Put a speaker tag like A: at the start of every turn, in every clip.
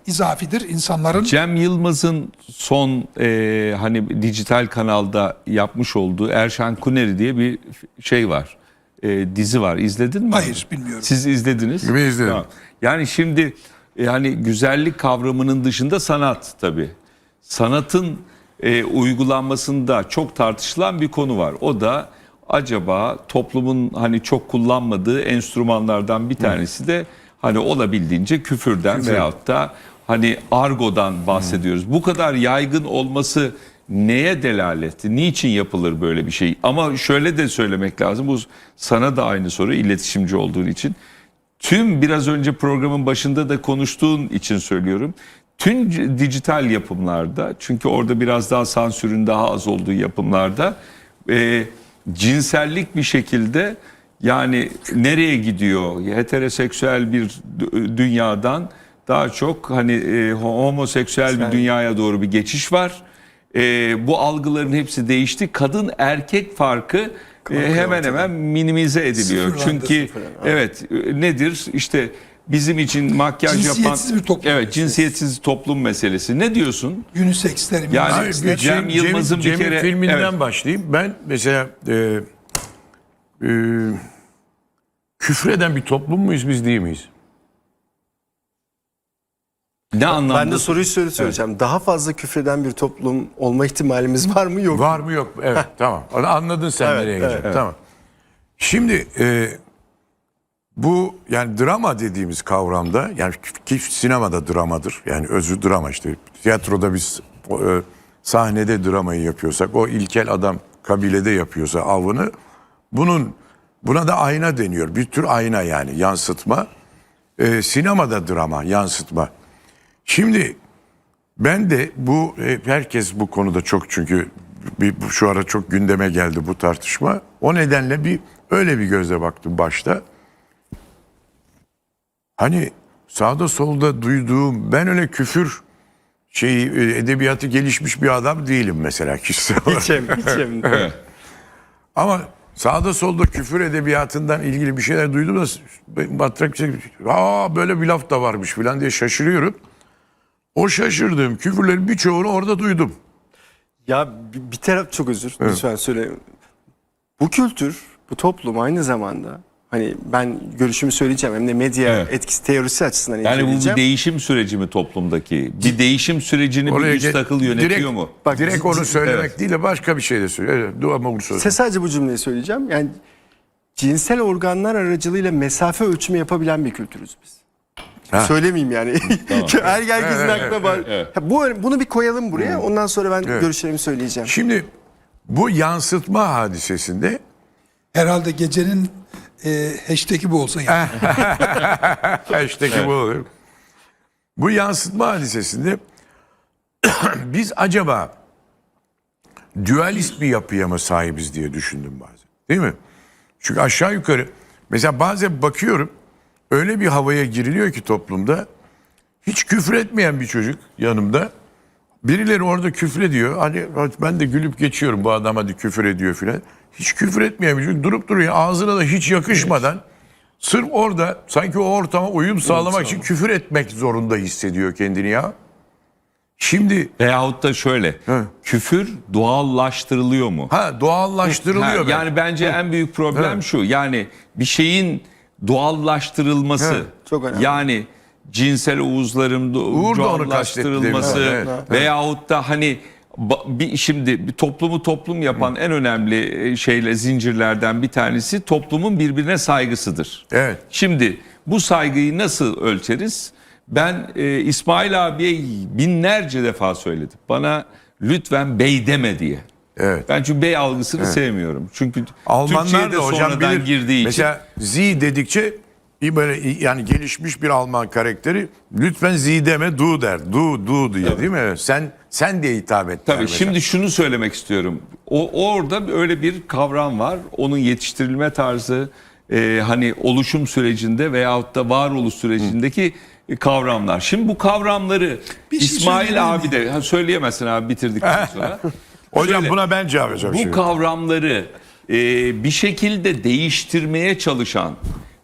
A: izafidir insanların.
B: Cem Yılmaz'ın son hani dijital kanalda yapmış olduğu Erşan Kuneri diye bir şey var. Dizi var. İzledin mi?
A: Hayır, bilmiyorum.
B: Siz izlediniz.
C: Ben izledim.
B: Tamam. Yani şimdi hani güzellik kavramının dışında sanat tabii. Sanatın uygulanmasında çok tartışılan bir konu var. O da acaba toplumun hani çok kullanmadığı enstrümanlardan bir tanesi de hani olabildiğince küfürden veyahut da hani argodan bahsediyoruz. Bu kadar yaygın olması neye delalet? Niçin yapılır böyle bir şey? Ama şöyle de söylemek lazım. Bu sana da aynı soru, iletişimci olduğun için. Tüm biraz önce programın başında da konuştuğun için söylüyorum. Tüm dijital yapımlarda, çünkü orada biraz daha sansürün daha az olduğu yapımlarda cinsellik bir şekilde, yani nereye gidiyor? Heteroseksüel bir dünyadan daha çok hani homoseksüel bir dünyaya doğru bir geçiş var. Bu algıların hepsi değişti. Kadın erkek farkı hemen hemen minimize ediliyor. Çünkü evet, nedir? İşte bizim için makyaj
A: Cinsiyetsiz
B: yapan
A: bir toplum.
B: evet, cinsiyetsiz toplum meselesi. Ne diyorsun?
A: Uniseksler,
B: Yani
A: uniseksler.
B: Cem Yılmaz'ın bir kere
C: filminden
B: evet,
C: başlayayım. Ben mesela küfreden bir toplum muyuz biz, değil miyiz?
B: ne anlamda?
D: Ben de soruyu söyleyeceğim. Evet. Daha fazla küfreden bir toplum olma ihtimalimiz var mı, yok mu?
C: Var mı, yok mu? Evet, tamam. Anladın sen
D: Evet,
C: nereye
D: evet,
C: gideceksin. Tamam. Şimdi bu yani drama dediğimiz kavramda, yani ki sinemada dramadır. Yani özü drama işte. Tiyatroda biz sahnede dramayı yapıyorsak, o ilkel adam kabilede yapıyorsa avını, buna da ayna deniyor. Bir tür ayna, yani yansıtma. Sinemada drama, yansıtma. Şimdi ben de herkes bu konuda çok, çünkü şu ara çok gündeme geldi bu tartışma. O nedenle öyle bir gözle baktım başta. Hani sağda solda duyduğum, ben öyle küfür edebiyatı gelişmiş bir adam değilim mesela, kişisel olarak.
D: Hiçem.
C: Ama sağda solda küfür edebiyatından ilgili bir şeyler duydum da matrak şey, böyle bir laf da varmış falan diye şaşırıyorum. O şaşırdığım küfürlerin birçoğunu orada duydum.
D: Ya bir taraf, çok özür lütfen söyle. Bu kültür, bu toplum aynı zamanda, hani ben görüşümü söyleyeceğim, hem de medya etkisi teorisi açısından
B: Yani bu bir
D: inceleyeceğim.
B: değişim süreci mi toplumdaki? Bir değişim sürecini bir üst akıl yönetiyor mu?
D: Bak,
C: Direkt onu söylemek değil de başka bir şey de söylüyor. Evet, ama bunu söyle.
D: Sadece bu cümleyi söyleyeceğim. Yani cinsel organlar aracılığıyla mesafe ölçümü yapabilen bir kültürüz biz. Söylemeyeyim yani. Herkesin aklına var. Bunu bir koyalım buraya. Ondan sonra ben görüşlerimi söyleyeceğim.
C: Şimdi bu yansıtma hadisesinde
A: Herhalde gecenin hashtag'i bu olsa yani.
C: hashtag'i bu olur. Bu yansıtma hadisesinde biz acaba dualist bir yapıya mı sahibiz diye düşündüm bazen. Değil mi? Çünkü aşağı yukarı mesela bazen bakıyorum, öyle bir havaya giriliyor ki toplumda, hiç küfür etmeyen bir çocuk yanımda, birileri orada küfür ediyor. Hani ben de gülüp geçiyorum, bu adam hadi küfür ediyor filan. Hiç küfür etmeyen bir çocuk durup duruyor, ağzına da hiç yakışmadan sırf orada sanki o ortama uyum sağlamak için küfür etmek zorunda hissediyor kendini ya. Şimdi
B: Veyahut da şöyle, küfür doğallaştırılıyor mu?
C: Doğallaştırılıyor.
B: Yani bence en büyük problem şu, yani bir şeyin doğallaştırılması.
D: Çok önemli.
B: Yani cinsel uzların
C: Uğur da onu
B: doğallaştırılması
C: kastetti, evet.
B: veyahut da hani şimdi bir toplumu toplum yapan en önemli zincirlerden bir tanesi toplumun birbirine saygısıdır.
C: Evet.
B: Şimdi bu saygıyı nasıl ölçeriz? Ben İsmail abiye binlerce defa söyledim. Bana lütfen bey deme diye.
C: Evet.
B: Ben çünkü bey algısını sevmiyorum. Çünkü
C: Almanlar
B: Türkçe'de
C: da hocam
B: sonradan girdiği için.
C: mesela Z dedikçe böyle yani gelişmiş bir Alman karakteri lütfen Z deme, du der. Du diye, değil mi? Sen diye hitap et.
B: Tabii şimdi şunu söylemek istiyorum. Orada öyle bir kavram var. Onun yetiştirilme tarzı, hani oluşum sürecinde veyahut da varoluş sürecindeki kavramlar. Şimdi bu kavramları İsmail abi de söyleyemezsin abi, bitirdikten sonra.
C: Hocam
B: Şöyle,
C: buna ben cevap vereceğim.
B: bu kavramları bir şekilde değiştirmeye çalışan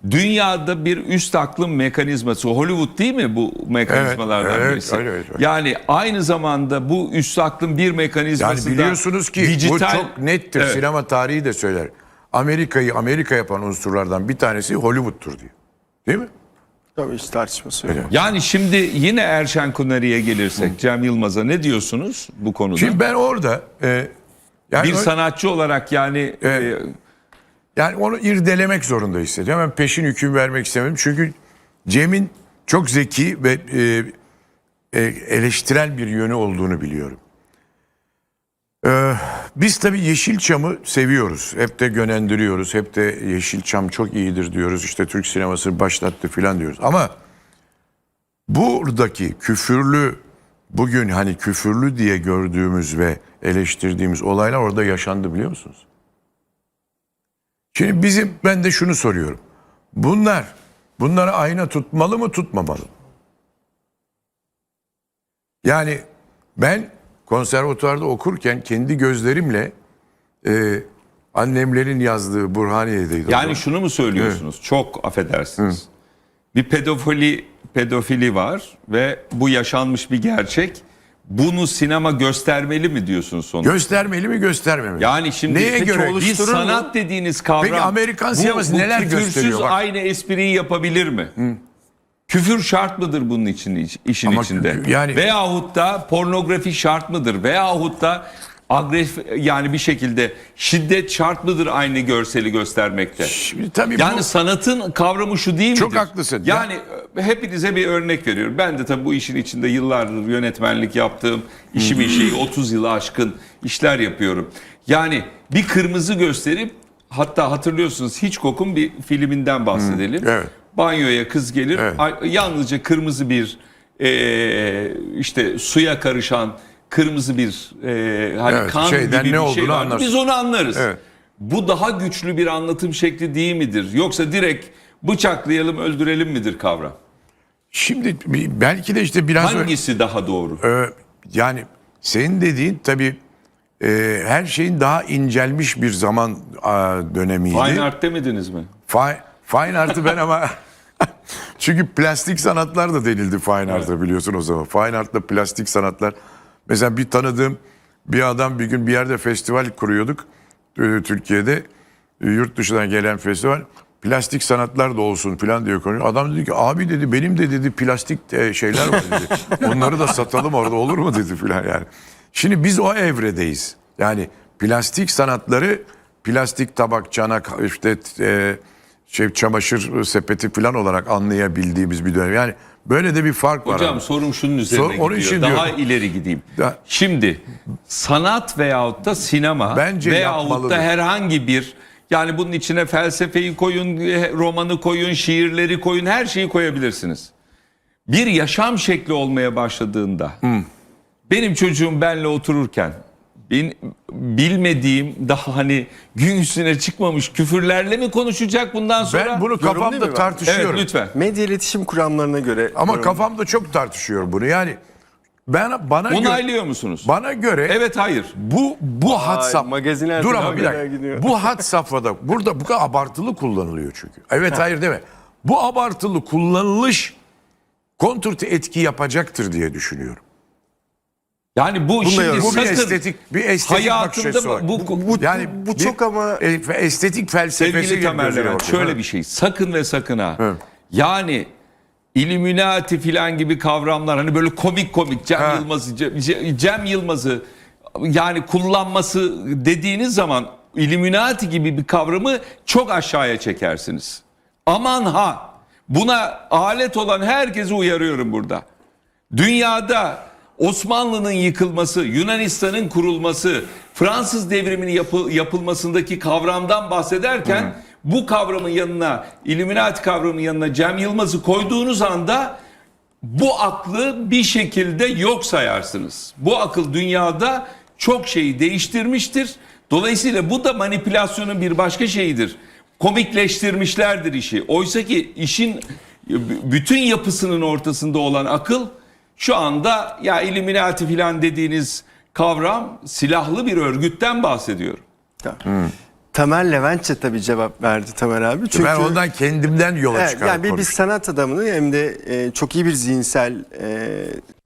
B: dünyada bir üst aklın mekanizması. Hollywood değil mi bu mekanizmalardan
C: Evet,
B: birisi?
C: öyle.
B: Yani aynı zamanda bu üst aklın bir mekanizması
C: Yani biliyorsunuz ki bu çok nettir.
B: Evet.
C: Sinema tarihi de söyler. Amerika'yı Amerika yapan unsurlardan bir tanesi Hollywood'tur diyor. Değil mi?
D: Tabii hiç tartışması yok.
B: Yani şimdi yine Erşen Kuneri'ye gelirsek, Cem Yılmaz'a ne diyorsunuz bu konuda?
C: Şimdi ben orada yani
B: bir sanatçı olarak yani
C: yani onu irdelemek zorunda hissediyorum. Ben peşin hüküm vermek istemedim. Çünkü Cem'in çok zeki ve eleştirel bir yönü olduğunu biliyorum. Biz tabii Yeşilçam'ı seviyoruz. Hep de gönendiriyoruz. Hep de Yeşilçam çok iyidir diyoruz. İşte Türk sinemasını başlattı falan diyoruz. Ama buradaki küfürlü, bugün hani küfürlü diye gördüğümüz ve eleştirdiğimiz olaylar orada yaşandı, biliyor musunuz? Şimdi ben de şunu soruyorum. Bunları ayna tutmalı mı, tutmamalı mı? Yani ben konservatuvarda okurken kendi gözlerimle annemlerin yazdığı Burhaniye'deydi.
B: yani şunu mu söylüyorsunuz? Çok affedersiniz. Bir pedofili var ve bu yaşanmış bir gerçek. Bunu sinema göstermeli mi diyorsunuz sonuçta?
C: Göstermeli mi, göstermemeli?
B: Yani şimdi
C: neye
B: peki
C: göre?
B: bir sanat dediğiniz kavram.
C: Peki Amerikan sineması neler
B: küfürsüz
C: gösteriyor? Bak.
B: aynı espriyi yapabilir mi? Küfür şart mıdır bunun işin
C: Ama
B: içinde?
C: yani-
B: Veyahut da pornografi şart mıdır? Veyahut da yani bir şekilde şiddet şart mıdır aynı görseli göstermekte?
C: Şimdi tabii
B: Yani
C: bu
B: sanatın kavramı şu değil midir?
C: Çok haklısın.
B: Yani hepinize bir örnek veriyorum. Ben de tabii bu işin içinde yıllardır yönetmenlik yaptığım, işimin şeyi 30 yılı aşkın işler yapıyorum. Yani bir kırmızı gösterip, hatta hatırlıyorsunuz Hitchcock'un bir filminden bahsedelim.
C: Evet.
B: Banyoya kız gelir,
C: Evet.
B: yalnızca kırmızı bir işte suya karışan kırmızı bir hani
C: Evet,
B: kan
C: şeyden
B: gibi
C: ne
B: bir şey
C: olduğunu
B: var.
C: anlarsın.
B: Biz onu anlarız.
C: Evet.
B: Bu daha güçlü bir anlatım şekli değil midir? Yoksa direkt bıçaklayalım, öldürelim midir kavram?
C: şimdi belki de işte biraz
B: Hangisi daha doğru?
C: yani senin dediğin tabii her şeyin daha incelmiş bir zaman dönemiydi.
B: Fine art demediniz mi?
C: Fine art'ı ben ama çünkü plastik sanatlar da denildi fine art'a, biliyorsun o zaman. Fine art'la plastik sanatlar. Mesela bir tanıdığım bir adam bir gün bir yerde festival kuruyorduk Türkiye'de. Yurt dışından gelen festival. Plastik sanatlar da olsun falan diyor konuşuyor. Adam dedi ki abi dedi benim de dedi plastik şeyler var dedi. Onları da satalım orada, olur mu dedi falan yani. Şimdi biz o evredeyiz. Yani plastik sanatları plastik tabak, çanak, işte çamaşır sepeti falan olarak anlayabildiğimiz bir dönem. Yani böyle de bir fark var.
B: Hocam
C: abi.
B: sorum şunun üzerine
C: Onun
B: gidiyor.
C: için
B: Daha
C: diyorum.
B: ileri gideyim.
C: Da-
B: Şimdi sanat veyahut da sinema
C: Bence
B: veyahut
C: yapmalıdır.
B: da herhangi bir, yani bunun içine felsefeyi koyun, romanı koyun, şiirleri koyun, her şeyi koyabilirsiniz. Bir yaşam şekli olmaya başladığında benim çocuğum benle otururken bilmediğim, daha hani gün üstüne çıkmamış küfürlerle mi konuşacak bundan sonra?
C: Ben bunu
D: Yorum değil
C: kafamda
D: mi?
C: tartışıyorum.
B: Evet, lütfen.
D: Medya iletişim kuramlarına göre.
C: Ama kafamda çok tartışıyorum bunu. Yani
B: Onaylıyor musunuz?
C: bana göre
B: Evet, hayır.
C: bu had safhada.
D: magazinler
C: Dur
D: falan
C: ama bir
D: kadar
C: dakika.
D: gidiyor.
C: Bu had safhada burada bu kadar abartılı kullanılıyor çünkü. Evet hayır deme. Bu abartılı kullanılış kontrte etki yapacaktır diye düşünüyorum.
B: Yani bu şimdi
D: yazın.
C: Bu bir
B: sakın
C: estetik bakış
B: hayatımda
C: açısı var.
D: Bu çok ama
C: estetik felsefesi
B: sevgili Tamer
C: gözüyle
B: Levent
C: bakıyor.
B: şöyle
C: Ha.
B: bir şey. Sakın ve sakın ha.
C: Evet.
B: Yani Illuminati filan gibi kavramlar, hani böyle komik
C: Ha.
B: Cem Yılmaz'ı yani kullanması dediğiniz zaman Illuminati gibi bir kavramı çok aşağıya çekersiniz. Aman ha, buna alet olan herkesi uyarıyorum burada. Dünyada Osmanlı'nın yıkılması, Yunanistan'ın kurulması, Fransız devriminin yapılmasındaki kavramdan bahsederken bu kavramın yanına, Illuminati kavramının yanına Cem Yılmaz'ı koyduğunuz anda bu aklı bir şekilde yok sayarsınız. Bu akıl dünyada çok şeyi değiştirmiştir. Dolayısıyla bu da manipülasyonun bir başka şeyidir. Komikleştirmişlerdir işi. Oysa ki işin bütün yapısının ortasında olan akıl şu anda, ya Illuminati filan dediğiniz kavram silahlı bir örgütten bahsediyor.
D: Tamer Leventçe tabii cevap verdi Tamer abi. Çünkü
C: Ben ondan kendimden yola
D: evet,
C: çıkarak
D: yani bir
C: konuştum.
D: sanat adamının hem de çok iyi bir zihinsel